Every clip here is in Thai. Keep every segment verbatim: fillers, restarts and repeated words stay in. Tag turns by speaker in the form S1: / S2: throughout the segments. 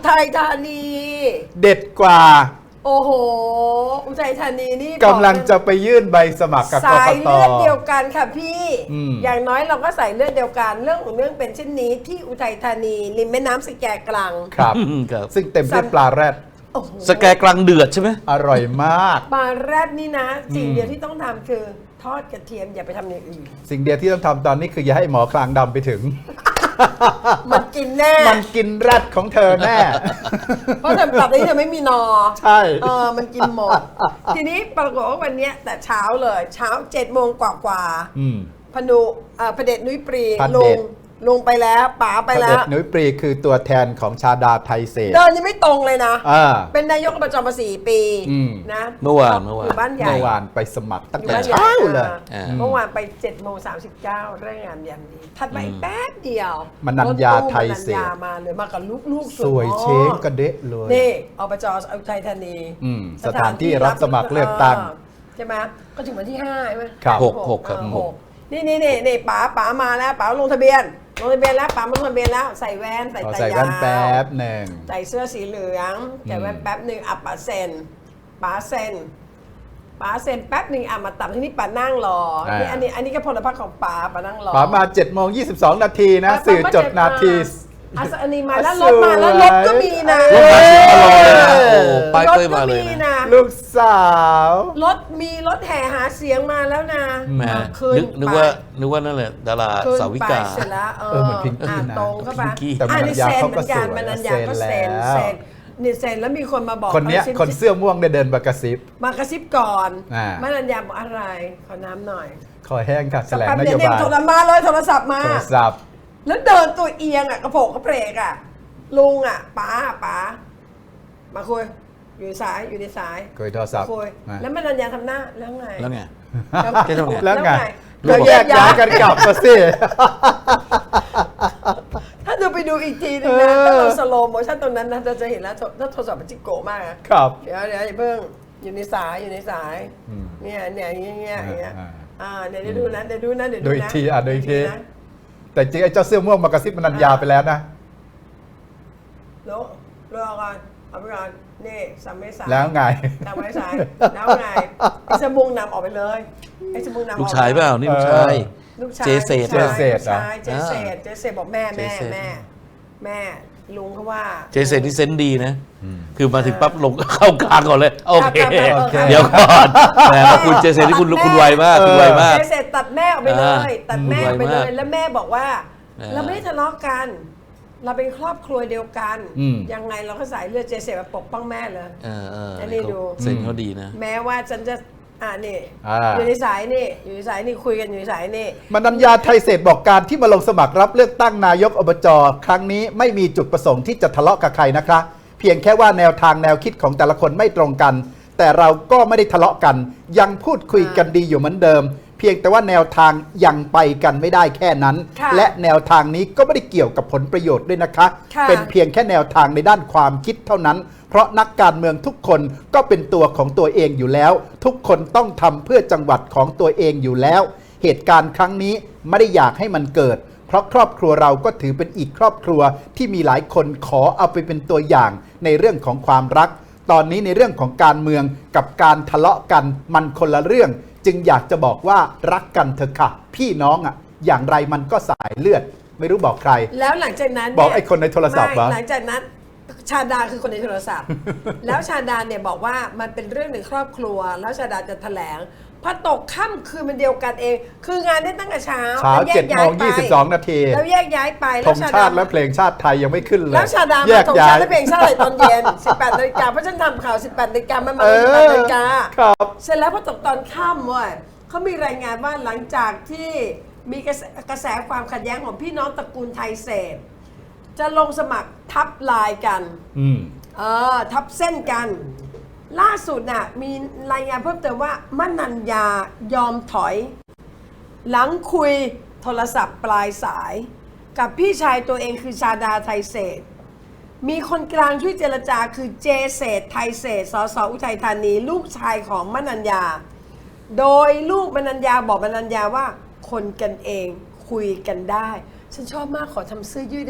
S1: ทัยธานี
S2: เด็ดกว่า
S1: โอ้โหอุทัยธานีนี่
S2: กำลังจะไปยื่นใบสมัครกับก
S1: สาก ย
S2: ต
S1: เลือดเดียวกันค่ะพี่
S2: อืม
S1: อย่างน้อยเราก็ใส่เลือดเดียวกันเรื่องของเรื่องเป็นเช่นนี้ที่อุทัยธานีริมแม่น้ำสแกกลัง
S2: ครับ
S3: ครับ
S2: ซึ่งเต็มด้วยปลาแรด
S1: โอ้โห
S3: สแกกลางเดือดใช่ไหม
S2: อร่อยมาก
S1: ปลาแรดนี่นะสิ่ง
S2: อืม
S1: เดียวที่ต้องทำคือทอดกระเทียมอย่าไปทำอย่างอื่น
S2: สิ่งเดียวที่ต้องทำตอนนี้คืออย่าให้หมอคลางดำไปถึง
S1: มันกินแน่
S2: มันกินแรดของเธอแน่
S1: เพราะเธอปรับนี้เธอไม่มีนอ
S2: ใช่
S1: เออมันกินหมด ทีนี้ปรากฏว่าวันเนี้ยแต่เช้าเลยเช้าเจ็ดโมงกว่ากว่าๆ
S2: อืม
S1: พนุเอ่อพระเดชนุ้ยปรี
S2: พระ
S1: ล
S2: เด
S1: ง
S2: ช
S1: ลงไปแล้วป๋าไป
S2: พระ
S1: แล้
S2: เด็จ
S1: ว
S2: นุ้ยปรีคือตัวแทนของชาดาไทยเศษ
S1: เดินยังไม่ตรงเลยนะ
S2: อ่า
S1: เป็นนายกอบจมาสี่ปี
S2: อืม
S1: นะ
S3: เมื่อวานเมื่อวาน
S1: ยู่บ้านใหญ่
S2: เมื่อวานไปสมัครตั้ง
S1: อยู่
S2: แต่
S1: บ้านใหญ่
S2: เช้าเลย
S1: อ่า
S3: อืม
S1: เมื่อวานไปเจ็ดโมงสามสิบเก้าเรื่องงานยามดีถัดไปอีกแป๊บเดียว
S2: มนัญญาไทยเศษ
S1: รถตู้มนัญญามาเลยมากับลูกๆ
S2: สวย
S1: มาก
S2: เช้งกระเดะเลย
S1: นี่อบจอุทัยธานี
S2: อืมสถานที่รับสมัครเลือกตั้ง
S1: ใช่ไหมก็ถึงวันที่ห้าใช่ไหม
S2: ครับ
S3: หกหกครับ
S1: เออ
S3: หก
S1: นี่นี่นี่นี่ป๋าป๋ามาแล้วป๋าลงทะเบียนลงทะเบียนแล้วป๋ามาลงทะเบียนแล้วใส่แว่นใส่
S2: ขอ
S1: ตา
S2: ใส่
S1: ยา
S2: แว่นแป๊
S1: ว
S2: บหนึ่ง
S1: ใส่เสื้อสีเหลืองใส่แว่นแป๊บหนึ่งอ่ะป๋าเซ็นป๋าเซ็นป๋าเซ็นแป๊บหนึ่งอ่ะมาตัดที่นี่ป๋านั่งรอนี่อันนี้อันนี้ก็พลพรรคของป๋าป๋านั่งรอ
S2: ป๋ามาเจ็ดโมงยี่สิบสองนาทีนะ
S1: ป๋า
S2: สื่อจดนาที
S1: อ่ะอันนี้มาแล้วรถมาแล้วรถก็มีนะ
S3: รถมาสิบกิโลเลยนะ
S2: เออ
S3: โอ้โหป้ายเป้ยมาเลย
S1: รถก็
S3: นะ
S1: นะ
S2: ลูกสาว
S1: รถมีรถแห่หาเสียงมาแล้วนะ
S3: แหม
S1: คืน
S3: นึกนึกว่านึกว่านั่นแหละดารา
S1: คืน
S3: สาวิ
S1: ไป
S3: กา
S1: เสร็จแล้วเอ
S2: เออเหมือนพิงกี้
S1: อ่า
S2: นะ
S1: ตรงเข้าไป
S3: พิงกี้
S2: แต่
S1: อ่า
S2: มนั
S1: นี่
S2: ญญา
S1: เซ็น
S2: เขา
S1: เห
S2: ก็
S1: มือนกัน
S2: สวย
S1: มนัญญาก็
S2: เซ็
S1: เซ็
S2: น
S1: น
S2: แล้ว
S1: เซ็นนี่เซ็นแล้วมีคนมาบอก
S2: คนเนี้ย
S1: อาซิป
S2: คนเสื้อม่วงเนี่ยเดินมากระซิบ
S1: มากระซิบก่อน
S2: อ่าม
S1: นัญญาบอกอะไรขอน้ำหน่อย
S2: คอแห้งค่ะแถลง
S1: แป๊บ
S2: น
S1: เดี
S2: โย
S1: ยวเนี่ย
S2: บาย
S1: โทรมาเลยโทรศัพท์มา
S2: โทรศัพท์
S1: แล้วเดินตัวเอียงอ่ะกระโปงกระเพกอ่ะลุงอ่ะป๋าป๋ามาคุยอยู่ในสายอยู่ในสาย
S2: คุยโทรศัพท์
S1: คุย
S2: มา
S1: แล้วมนัญญาทำหน้าแล้วไง
S3: แล้วไง
S1: แล้ว
S3: แกทำไง
S2: แล้วไง
S1: แล้
S2: ก็
S1: วไง
S2: แยกย้ายกันกลับมาสิ
S1: ถ้าดูไปดูอีกทีนึงนะ
S2: เออ
S1: ถ้าเราสโลโมชั่นตรงนั้นนะเราจะเห็นแล้วถ้าโทรศัพท์มันจิโกะมากนะครับ เดี๋ยวเดี๋ยวอย่าเพิ่งอยู่ในสายอยู่ในสาย
S2: อืม
S1: เนี่ยเนี่ยอย่างเงี้ยอย่างเงี้ย
S2: อ่า
S1: อ่าเดี๋ยวเดี๋ยวดูนะเดี๋ยวดูนะเดี๋ยว
S2: ดู
S1: ดู
S2: อีก
S1: นะ
S2: ทีอ่ะดูอีกที
S1: นะ
S2: แต่จริงไอ้เจ้าเสื้อม่วงมากระซิบมนัญญาไปแล้วนะ
S1: โลโลก่อนเอาไปก่อนนี่สามเมษาย
S2: แล้วไง
S1: สามเมษายแล้วไงไอ้สมุงนำออกไปเลยไอ้สมุงนำออก
S3: ลูกชายเปล่านี่ลูกชาย
S1: ลูกชาย
S3: เจเศษ
S1: ลูกชาย
S2: เจเศษเหรอ
S1: ลูกชายเจเศษเจเศษบอกแม่แม่
S3: เจเศษ
S1: แม่แม่ลุงเขาว่า
S3: เจเซนนี่เซนส์ดีนะ คือมาถึงปั๊บลงเข้ากลางก่อนเลย โอเค
S1: ครับครับโอเค
S3: เดี๋ยวก่อนแหมคุณเจเซนนี่คุณคุณไวมากคุณไวมาก
S1: เจเศษตัดแม่ออกไปเลย
S3: อ่า
S1: ตัดแม่ออกไป
S3: ไว
S1: เล
S3: มาก
S1: ยแล้วแม่บอกว่า
S3: อ่า
S1: เราไม่ได้ทะเลาะกัน เราเป็นครอบครัวเดียวกัน
S2: อืม
S1: ยังไงเราก็สายเลือดเจเศษมาปกป้องแม่เลย
S3: เออเออ
S1: อันนี้ดู
S3: เซนเขาดีนะ
S1: แม้ว่าฉันจะอ่านี่
S2: อ่า
S1: อยู่ในสายนี่อยู่ในสายนี่คุยกันอยู่ในสายนี่
S2: มนัญญาไทยเศษบอกการที่มาลงสมัครรับเลือกตั้งนายกอบจครั้งนี้ไม่มีจุดประสงค์ที่จะทะเลาะกับใครนะคะเพียงแค่ว่าแนวทางแนวคิดของแต่ละคนไม่ตรงกัน แต่เราก็ไม่ได้ทะเลาะกัน ยังพูดคุยกันดีอยู่เหมือนเดิม เพียงแต่ว่าแนวทางยังไปกันไม่ได้แค่นั้น
S1: ค่ะ
S2: และแนวทางนี้ก็ไม่ได้เกี่ยวกับผลประโยชน์ด้วยนะคะ
S1: ค่ะ
S2: เป็นเพียงแค่แนวทางในด้านความคิดเท่านั้น เพราะนักการเมืองทุกคนก็เป็นตัวของตัวเองอยู่แล้ว ทุกคนต้องทำเพื่อจังหวัดของตัวเองอยู่แล้ว เหตุการณ์ครั้งนี้ไม่ได้อยากให้มันเกิด เพราะครอบครัวเราก็ถือเป็นอีกครอบครัวที่มีหลายคนขอเอาไปเป็นตัวอย่างในเรื่องของความรัก ตอนนี้ในเรื่องของการเมืองกับการทะเลาะกันมันคนละเรื่อง จึงอยากจะบอกว่ารักกันเถอะค่ะ พี่น้องอ่ะอย่างไรมันก็สายเลือด ไม่รู้บอกใคร
S1: แล้วหลังจากนั้นเนี่ย
S2: บอกไอ้คนในโทรศัพท์เหรอ
S1: ไม่หลังจากนั้นชาดาคือคนในโทรศัพท์ แล้วชาดาเนี่ยบอกว่ามันเป็นเรื่องในครอบครัว แล้วชาดาจะแถลงพอตกค่ำคืนมันเดียวกันเอง คืองานได้ตั้งแต่เช้า
S2: เช้า
S1: แล้วแย
S2: เจ็ด
S1: ก
S2: โม
S1: ย้าย
S2: ง
S1: ไป
S2: ยี่สิบสองนาที
S1: แล้วแยกย้ายไป
S2: ธ
S1: แล้ว
S2: ง
S1: ชา
S2: ชา
S1: ดา
S2: ติและเพลงชาติไทยยังไม่ขึ้นเลย
S1: แล้วชาดา
S2: แย
S1: มาก ธง
S2: ย้า
S1: ชาย ติและเพลงชาติอะไรตอนเย็น สิบแปดนาฬิกาเพราะฉันทำข่าวสิบแปดนาฬิกามันมา
S2: เอ
S1: สิบแปด
S2: อ
S1: นาฬิกา
S2: ครับ
S1: เสร็จแล้วพอตกตอนค่ำเว้ยเขามีรายงานว่าหลังจากที่มีกระแสกระแสความขัดแย้งของพี่น้องตระกูลไทยเศษจะลงสมัครทับลายกัน
S2: อืม
S1: เออทับเส้นกัน ล่าสุดน่ะมีรายงานเพิ่มเติมว่ามนัญญายอมถอย หลังคุยโทรศัพท์ปลายสาย กับพี่ชายตัวเองคือชาดาไทยเศษ มีคนกลางช่วยเจรจาคือเจเศษไทยเศษสสอุทัยธานีลูกชายของมนัญญา โดยลูกมนัญญาบอกมนัญญาว่าคนกันเองคุยกันได้ ฉันชอบมากขอทำเสื้อยืดได้ไหม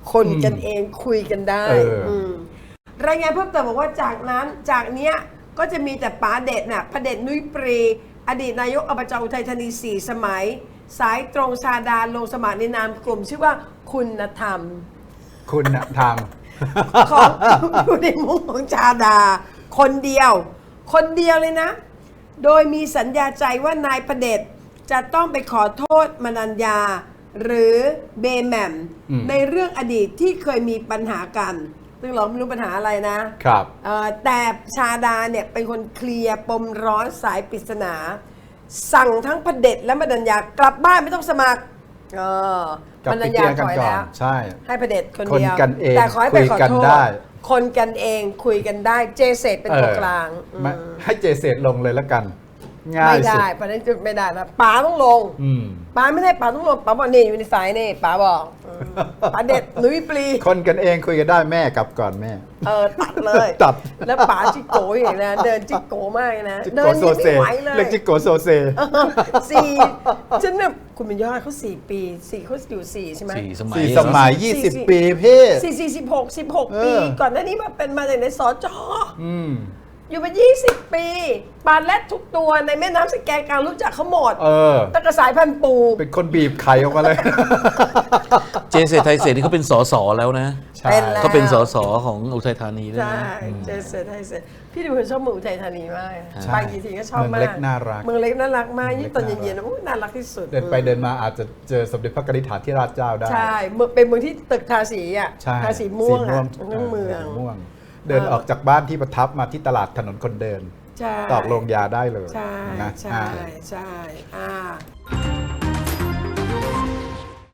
S1: คนกันเองคุยกันได้
S2: เอออื
S1: มรายงานเพิ่มเติมบอกว่าจากนั้นจากเนี้ยก็จะมีแต่ป๋าเด็ดน่ะพระเด็จนุ้ยปรี อดีตนายกอบจอุทัยธานีสี่สมัย สายตรงชาดาลงสมัครในนามกลุ่ม ชื่อว่าคุณธรรม
S2: คุณธรรม
S1: ของอยู่ในมุ้งของชาดา คนเดียว คนเดียวเลยนะ โดยมีสัญญาใจว่านายพระเดชจะต้องไปขอโทษมนัญญา หรือเบแหมม
S2: อืม
S1: ในเรื่องอดีตที่เคยมีปัญหากัน ซึ่งเราไม่รู้ปัญหาอะไรนะครับ เอ่อแต่ชาดาเนี่ยเป็นคนเคลียร์ปมร้อนสายปริศนา สั่งทั้งพระเดชและมนัญญากลับบ้านไม่ต้องสมัครเออก
S2: ลับ
S1: ม
S2: ไป
S1: นัญ
S2: เคลี
S1: ญาย
S2: ร์กัน
S1: ถอย
S2: ก่อน
S1: แล้ว
S2: ใช่
S1: ให้พระเดชคนเดียว
S2: คนกันเอง
S1: แต่ขอให้ไปขอ
S2: คุยกัน
S1: โทษ
S2: ได้
S1: คนกันเองคุยกันได้เจเสตเป็นตัวกลาง
S2: เออไม่
S1: อืม
S2: ให้เจเสร็จลงเลยแล้วกัน ง่าย
S1: ไม่
S2: สุด
S1: ได้เพราะฉะนั้นจุดไม่ได้นะป๋าต้องลง
S2: อืม
S1: ป๋าไม่ได้ป๋าต้องลงป๋าบอกนี่อยู่ในสายนี่ป๋าบอกอืมป๋าเด็ดนุ้ยปลี
S2: คนกันเองคุยกันได้แม่กลับก่อนแม่
S1: เออตัดเลย
S2: ตัด
S1: แล้วป๋าจิโก้อย่างนะเดินจิโก้มากเลยนะ
S2: จิ
S1: เดิ
S2: โก
S1: น
S2: โซ
S1: ยัง
S2: เซ
S1: ไม่ไหวเลย
S2: เรียกจิโกโซเซ
S1: สี่ฉันเนี่ยคุณเป็นยอดเขาสี่ปีสี่เขาอยู่สี่ใช่ไหม
S3: สี่สมัย
S2: สี่สมัย
S1: สี่
S2: ยี่สิบ
S1: สี่
S2: ปีพี่
S1: สี่สี่สิบหกสิบหก
S2: เออ
S1: ปี ก่อนหน้านี้มาเป็นมาจากในสจ
S2: อืม
S1: อยู่มายี่สิบปีปลาแรดทุกตัวในแม่น้ำสแกนกลางรู้จักเขาหมด
S2: เออ
S1: ตั้งแต่สายพันธุ์ปู
S2: เป็นคนบีบไข่ออกมาเลย
S3: เจเศรษไทยเศรษนี่เขาเป็นสสแล้วนะ
S2: ใช่
S1: เป็นแล้ว
S3: เขาเป็นสสของอุทัยธานีด้วย
S1: ใช่
S3: นะอืม
S1: เจเสร็จให้เสร็จพี่ดูคนชอบเมืองอุทัยธานีมาก
S2: ใช่
S1: ไปกี่ทีก็ชอบมาก
S2: เมืองเล็กน่ารัก
S1: เมืองเล็กน่ารักมาก
S2: เมืองเล็ก
S1: ยิ่งตอน
S2: น่ารัก
S1: เย็นๆนะอุ๊ยน่ารักที่สุด
S2: เดินไปเดินมาอาจจะเจอสมเด็จพระกนิษฐาธิราชเจ้าได้
S1: ใช่เมืองเป็นเมืองที่ตึกทาสีอ่ะ
S2: ใช่
S1: ทาสีม่วงอ่ะ
S2: สี
S1: ทั้งเมือง
S2: สีม่วง เดินออกจากบ้านที่ประทับมาที่ตลาดถนนคนเดิน
S1: ใช่
S2: ตอกโรงยาได้เลย
S1: ใช่
S2: นะ
S1: ใช่
S2: อ่า
S1: ใช่อ่า